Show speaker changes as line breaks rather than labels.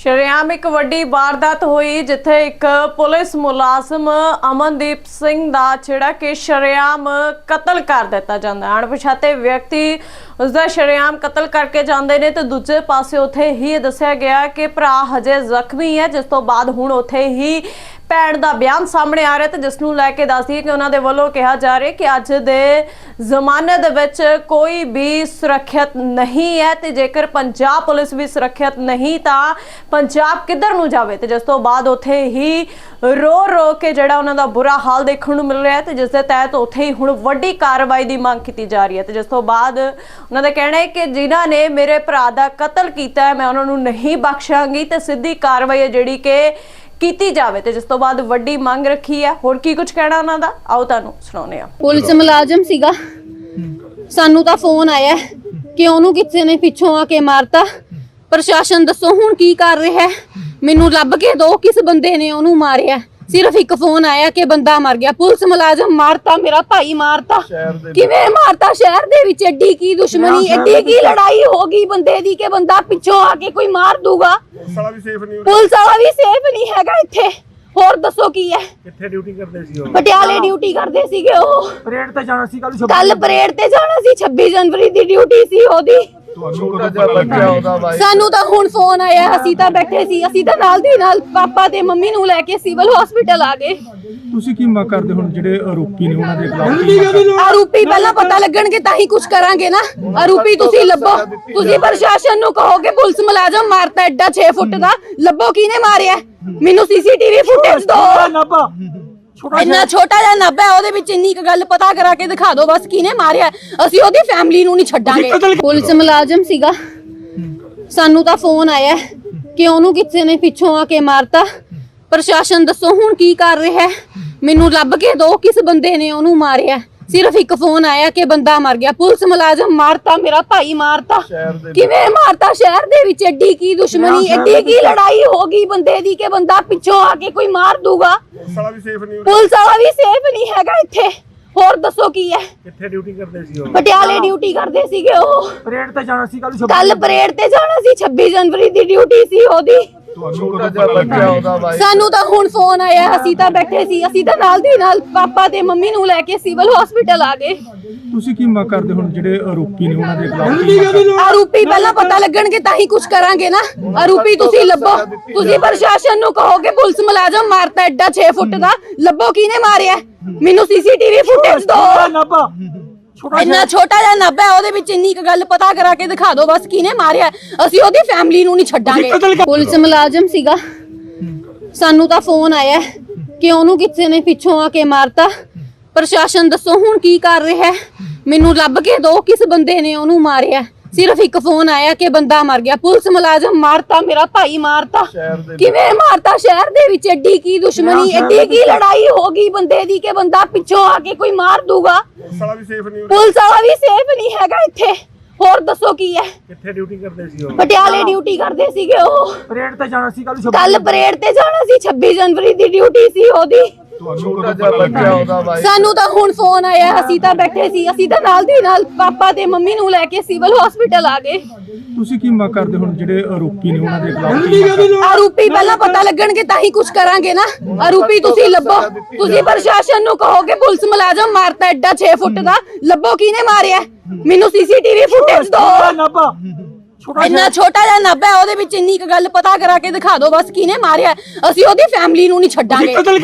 ਸ਼ਰੇਆਮ ਇੱਕ ਵੱਡੀ ਵਾਰਦਾਤ ਹੋਈ ਜਿੱਥੇ ਇੱਕ ਪੁਲਿਸ ਮੁਲਾਜ਼ਮ ਅਮਨਦੀਪ ਸਿੰਘ ਦਾ ਜਿਹੜਾ ਕਿ ਸ਼ਰੇਆਮ ਕਤਲ ਕਰ ਦਿੱਤਾ ਜਾਂਦਾ ਹੈ। ਅਣਪਛਾਤੇ ਵਿਅਕਤੀ ਉਸਦਾ ਸ਼ਰੇਆਮ ਕਤਲ ਕਰਕੇ ਜਾਂਦੇ ਨੇ ਤੇ ਦੂਜੇ ਪਾਸੇ ਉੱਥੇ ਹੀ ਦੱਸਿਆ ਗਿਆ ਕਿ ਭਰਾ ਹਜੇ ਜ਼ਖਮੀ ਹੈ, ਜਿਸ ਤੋਂ ਬਾਅਦ ਹੁਣ ਉੱਥੇ ਹੀ ਭੈਣ ਦਾ ਬਿਆਨ ਸਾਹਮਣੇ ਆ ਰਿਹਾ ਤੇ ਜਿਸ ਨੂੰ ਲੈ ਕੇ ਦੱਸਦੀ ਹੈ ਕਿ ਉਹਨਾਂ ਦੇ ਵੱਲੋਂ ਕਿਹਾ ਜਾ ਰਿਹਾ ਕਿ ਅੱਜ ਦੇ ਜ਼ਮਾਨੇ ਦੇ ਵਿੱਚ ਕੋਈ ਵੀ ਸੁਰੱਖਿਅਤ ਨਹੀਂ ਹੈ ਤੇ ਜੇਕਰ ਪੰਜਾਬ ਪੁਲਿਸ ਵੀ ਸੁਰੱਖਿਅਤ ਨਹੀਂ ਤਾਂ ਪੰਜਾਬ ਕਿੱਧਰ ਨੂੰ ਜਾਵੇ। ਤੇ ਜਿਸ ਤੋਂ ਬਾਅਦ ਉੱਥੇ ਹੀ ਰੋ ਕੇ ਜਿਹੜਾ ਉਹਨਾਂ ਦਾ ਬੁਰਾ ਹਾਲ ਦੇਖਣ ਨੂੰ ਮਿਲ ਰਿਹਾ ਹੈ ਤੇ ਜਿਸ ਦੇ ਤਹਿਤ ਉੱਥੇ ਹੀ ਹੁਣ ਵੱਡੀ ਕਾਰਵਾਈ ਦੀ ਮੰਗ ਕੀਤੀ ਜਾ ਰਹੀ ਹੈ। ਤੇ ਜਿਸ ਤੋਂ ਬਾਅਦ ਉਹਨਾਂ ਦਾ ਕਹਿਣਾ ਹੈ ਕਿ ਜਿਨ੍ਹਾਂ ਨੇ ਮੇਰੇ ਭਰਾ ਦਾ ਕਤਲ ਕੀਤਾ ਹੈ ਮੈਂ ਉਹਨਾਂ ਨੂੰ ਨਹੀਂ ਬਖਸ਼ਾਂਗੀ ਤੇ ਸਿੱਧੀ ਕਾਰਵਾਈ ਹੈ ਜਿਹੜੀ ਕਿ ਕੀਤੀ ਜਾਵੇ। ਤੇ ਜਿਸ ਤੋਂ ਬਾਅਦ ਵੱਡੀ ਮੰਗ ਰੱਖੀ ਹੈ। ਹੋਰ ਕੀ ਕੁਝ ਕਹਿਣਾ ਉਹਨਾਂ ਦਾ, ਆਓ ਤੁਹਾਨੂੰ ਸੁਣਾਉਂਦੇ ਹਾਂ।
ਪੁਲਿਸ ਮੁਲਾਜ਼ਮ ਸੀਗਾ, ਸਾਨੂੰ ਤਾਂ ਫੋਨ ਆਇਆ ਕਿ ਉਹਨੂੰ ਕਿਸੇ ਨੇ ਪਿੱਛੋਂ ਆ ਕੇ ਮਾਰਤਾ। ਪ੍ਰਸ਼ਾਸਨ ਦੱਸੋ ਹੁਣ ਕੀ ਕਰ ਰਿਹਾ, ਮੈਨੂੰ ਲੱਭ ਕੇ ਦੋ ਕਿਸ ਬੰਦੇ ਨੇ ਉਹਨੂੰ ਮਾਰਿਆ। ਸਿਰਫ ਇੱਕ ਫੋਨ ਆਇਆ ਕਿ ਬੰਦਾ ਮਰ ਗਿਆ। ਪੁਲਿਸ ਮੁਲਾਜ਼ਮ ਮਾਰਤਾ, ਮੇਰਾ ਭਾਈ ਮਾਰਤਾ। ਕਿਵੇਂ ਮਾਰਤਾ? ਸ਼ਹਿਰ ਦੇ ਵਿੱਚ ਐਡੀ ਕੀ ਦੁਸ਼ਮਣੀ, ਐਡੀ ਕੀ ਲੜਾਈ ਹੋ ਗਈ ਬੰਦੇ ਦੀ ਕਿ ਬੰਦਾ ਪਿੱਛੋਂ ਆ ਕੇ ਕੋਈ ਮਾਰ ਦੂਗਾ। ਪੁਲਿਸ ਵਾਲਾ ਵੀ ਸੇਫ ਨਹੀਂ ਹੈਗਾ ਇੱਥੇ। ਹੋਰ ਦੱਸੋ ਕੀ ਹੈ?
ਕਿੱਥੇ ਡਿਊਟੀ ਕਰਦੇ ਸੀ ਉਹ?
ਪਟਿਆਲੇ ਡਿਊਟੀ ਕਰਦੇ ਸੀਗੇ ਉਹ।
ਪਰੇਡ ਤੇ ਜਾਣਾ ਸੀ
ਕੱਲ ਪਰੇਡ ਤੇ ਜਾਣਾ ਸੀ, 26 ਜਨਵਰੀ ਦੀ ਡਿਊਟੀ ਸੀ ਉਹਦੀ। ਸਾਨੂੰ ਤਾਂ ਹੁਣ ਫੋਨ ਆਇਆ, ਅਸੀਂ ਤਾਂ ਬੈਠੇ ਸੀ, ਅਸੀਂ ਤਾਂ ਨਾਲ ਦੀ ਨਾਲ ਪਾਪਾ ਤੇ ਮੰਮੀ ਨੂੰ ਲੈ ਕੇ ਸਿਵਲ ਹਸਪੀਟਲ ਆ ਗਏ।
ਤੁਸੀਂ ਕੀ ਮੰਗ ਕਰਦੇ ਹੁਣ ਜਿਹੜੇ ਆਰੋਪੀ ਨੇ ਉਹਨਾਂ ਦੇ ਖਿਲਾਫ?
ਆਰੋਪੀ ਪਹਿਲਾਂ ਪਤਾ ਲੱਗਣਗੇ ਤਾਂ ਹੀ ਕੁਝ ਕਰਾਂਗੇ ਨਾ। ਆਰੋਪੀ ਤੁਸੀਂ ਲੱਭੋ, ਤੁਸੀਂ ਪ੍ਰਸ਼ਾਸਨ ਨੂੰ ਕਹੋ ਕਿ ਪੁਲਿਸ ਮੁਲਾਜ਼ਮ ਮਾਰਤਾ ਐਡਾ 6 ਫੁੱਟ ਦਾ, ਲੱਭੋ ਕਿਹਨੇ ਮਾਰਿਆ। ਮੈਨੂੰ ਸੀਸੀਟੀਵੀ ਫੁਟੇਜ ਦਿਓ। ਇੰਨਾ ਛੋਟਾ ਜਿਹਾ ਨੱਬ ਹੈ, ਉਹਦੇ ਵਿੱਚ ਇੰਨੀ ਗੱਲ ਪਤਾ ਕਰਾ ਕੇ ਦਿਖਾ ਦਿਓ ਬਸ ਕਿਹਨੇ ਮਾਰਿਆ। ਅਸੀਂ ਉਹਦੀ ਫੈਮਿਲੀ ਨੂੰ ਨਹੀਂ ਛੱਡਾਂਗੇ। ਪੁਲਿਸ ਮੁਲਾਜ਼ਮ ਸੀਗਾ, ਸਾਨੂੰ ਤਾਂ ਫੋਨ ਆਇਆ ਕਿ ਉਹਨੂੰ ਕਿਸੇ ਨੇ ਪਿੱਛੋਂ ਆ ਕੇ ਮਾਰਤਾ। ਪ੍ਰਸ਼ਾਸਨ ਦੱਸੋ ਹੁਣ ਕੀ ਕਰ ਰਿਹਾ, ਮੈਨੂੰ ਲੱਭ ਕੇ ਦੋ ਕਿਸ ਬੰਦੇ ਨੇ ਉਹਨੂੰ ਮਾਰਿਆ। ਸਿਰਫ ਇੱਕ ਫੋਨ ਆਇਆ ਕਿ ਬੰਦਾ ਮਰ ਗਿਆ। ਪੁਲਿਸ ਮੁਲਾਜ਼ਮ ਮਾਰਤਾ, ਮੇਰਾ ਭਾਈ ਮਾਰਤਾ। ਕਿਵੇਂ ਮਾਰਤਾ? ਸ਼ਹਿਰ ਦੇ ਵਿੱਚ ਐਡੀ ਕੀ ਦੁਸ਼ਮਣੀ, ਐਡੀ ਕੀ ਲੜਾਈ ਹੋ ਗਈ ਬੰਦੇ ਦੀ ਕਿ ਬੰਦਾ ਪਿੱਛੋਂ ਆ ਕੇ ਕੋਈ ਮਾਰ ਦੂਗਾ। ਪੁਲਿਸ ਵਾਲਾ ਵੀ ਸੇਫ ਨਹੀਂ ਹੈਗਾ ਇੱਥੇ। ਹੋਰ ਦੱਸੋ ਕੀ ਹੈ?
ਕਿੱਥੇ ਡਿਊਟੀ ਕਰਦੇ ਸੀ ਉਹ?
ਪਟਿਆਲੇ ਡਿਊਟੀ ਕਰਦੇ ਸੀਗੇ ਉਹ।
ਪਰੇਡ ਤੇ ਜਾਣਾ ਸੀ
ਕੱਲ ਪਰੇਡ ਤੇ ਜਾਣਾ ਸੀ, 26 ਜਨਵਰੀ ਦੀ ਡਿਊਟੀ ਸੀ ਉਹਦੀ। ਸਾਨੂੰ ਤਾਂ ਹੁਣ ਫੋਨ ਆਇਆ, ਅਸੀਂ ਤਾਂ ਬੈਠੇ ਸੀ, ਅਸੀਂ ਤਾਂ ਨਾਲ ਦੀ ਨਾਲ ਪਾਪਾ ਤੇ ਮੰਮੀ ਨੂੰ ਲੈ ਕੇ ਸਿਵਲ ਹਸਪੀਟਲ ਆ ਗਏ।
ਤੁਸੀਂ ਕੀ ਮੰਗ ਕਰਦੇ ਹੁਣ ਜਿਹੜੇ ਆਰੋਪੀ ਨੇ ਉਹਨਾਂ ਦੇ ਖਿਲਾਫ?
ਆਰੋਪੀ ਪਹਿਲਾਂ ਪਤਾ ਲੱਗਣਗੇ ਤਾਂ ਹੀ ਕੁਝ ਕਰਾਂਗੇ ਨਾ। ਆਰੋਪੀ ਤੁਸੀਂ ਲੱਭੋ, ਤੁਸੀਂ ਪ੍ਰਸ਼ਾਸਨ ਨੂੰ ਕਹੋ ਕਿ ਪੁਲਿਸ ਮੁਲਾਜ਼ਮ ਮਾਰਤਾ ਐਡਾ 6 ਫੁੱਟ ਦਾ, ਲੱਭੋ ਕਿਹਨੇ ਮਾਰਿਆ। ਮੈਨੂੰ ਸੀਸੀਟੀਵੀ ਫੁਟੇਜ ਦਿਓ। ਇੰਨਾ ਛੋਟਾ ਜਿਹਾ ਨੱਬ ਹੈ, ਉਹਦੇ ਵਿੱਚ ਇੰਨੀ ਗੱਲ ਪਤਾ ਕਰਾ ਕੇ ਦਿਖਾ ਦਿਓ ਬਸ ਕਿਹਨੇ ਮਾਰਿਆ। ਅਸੀਂ ਉਹਦੀ ਫੈਮਿਲੀ ਨੂੰ ਨਹੀਂ ਛੱਡਾਂਗੇ। ਪੁਲਿਸ ਮੁਲਾਜ਼ਮ ਸੀਗਾ, ਸਾਨੂੰ ਤਾਂ ਫੋਨ ਆਇਆ ਕਿ ਉਹਨੂੰ ਕਿਸੇ ਨੇ ਪਿੱਛੋਂ ਆ ਕੇ ਮਾਰਤਾ। ਪ੍ਰਸ਼ਾਸਨ ਦੱਸੋ ਹੁਣ ਕੀ ਕਰ ਰਿਹਾ, ਮੈਨੂੰ ਲੱਭ ਕੇ ਦੋ ਕਿਸ ਬੰਦੇ ਨੇ ਉਹਨੂੰ ਮਾਰਿਆ। ਸਿਰਫ ਇੱਕ ਫੋਨ ਆਇਆ ਕਿ ਬੰਦਾ ਮਰ ਗਿਆ। ਪੁਲਿਸ ਮੁਲਾਜ਼ਮ ਮਾਰਤਾ, ਮੇਰਾ ਭਾਈ ਮਾਰਤਾ। ਕਿਵੇਂ ਮਾਰਤਾ? ਸ਼ਹਿਰ ਦੇ ਵਿੱਚ ਐਡੀ ਕੀ ਦੁਸ਼ਮਣੀ, ਐਡੀ ਕੀ ਲੜਾਈ ਹੋ ਗਈ ਬੰਦੇ ਦੀ ਕਿ ਬੰਦਾ ਪਿੱਛੋਂ ਆ ਕੇ ਕੋਈ ਮਾਰ ਦੂਗਾ। ਪੁਲਿਸ ਵਾਲਾ ਵੀ ਸੇਫ ਨਹੀਂ ਹੈਗਾ ਇੱਥੇ। ਹੋਰ ਦੱਸੋ ਕੀ ਹੈ?
ਕਿੱਥੇ ਡਿਊਟੀ ਕਰਦੇ ਸੀ ਉਹ?
ਪਟਿਆਲੇ ਡਿਊਟੀ ਕਰਦੇ ਸੀਗੇ ਉਹ।
ਪਰੇਡ ਤੇ ਜਾਣਾ ਸੀ
ਕੱਲ ਪਰੇਡ ਤੇ ਜਾਣਾ ਸੀ, 26 ਜਨਵਰੀ ਦੀ ਡਿਊਟੀ ਸੀ ਉਹਦੀ। ਸਾਨੂੰ ਤਾਂ ਹੁਣ ਫੋਨ ਆਇਆ, ਅਸੀਂ ਤਾਂ ਬੈਠੇ ਸੀ, ਅਸੀਂ ਤਾਂ ਨਾਲ ਦੀ ਨਾਲ ਪਾਪਾ ਤੇ ਮੰਮੀ ਨੂੰ ਲੈ ਕੇ ਸਿਵਲ ਹਸਪੀਟਲ ਆ ਗਏ।
ਤੁਸੀਂ ਕੀ ਮੰਗ ਕਰਦੇ ਹੁਣ ਜਿਹੜੇ ਆਰੋਪੀ ਨੇ ਉਹਨਾਂ ਦੇ ਖਿਲਾਫ?
ਆਰੋਪੀ ਪਹਿਲਾਂ ਪਤਾ ਲੱਗਣਗੇ ਤਾਂ ਹੀ ਕੁਝ ਕਰਾਂਗੇ ਨਾ। ਆਰੋਪੀ ਤੁਸੀਂ ਲੱਭੋ, ਤੁਸੀਂ ਪ੍ਰਸ਼ਾਸਨ ਨੂੰ ਕਹੋ ਕਿ ਪੁਲਿਸ ਮੁਲਾਜ਼ਮ ਮਾਰਤਾ ਐਡਾ 6 ਫੁੱਟ ਦਾ, ਲੱਭੋ ਕਿਹਨੇ ਮਾਰਿਆ। ਮੈਨੂੰ ਸੀਸੀਟੀਵੀ ਫੁਟੇਜ ਦਿਓ। ਇੰਨਾ ਛੋਟਾ ਜਿਹਾ ਨੱਬ ਹੈ, ਉਹਦੇ ਵਿੱਚ ਇੰਨੀ ਗੱਲ ਪਤਾ ਕਰਾ ਕੇ ਦਿਖਾ ਦਿਓ ਬਸ ਕਿਹਨੇ ਮਾਰਿਆ। ਅਸੀਂ ਉਹਦੀ ਫੈਮਿਲੀ ਨੂੰ ਨਹੀਂ ਛੱਡਾਂਗੇ।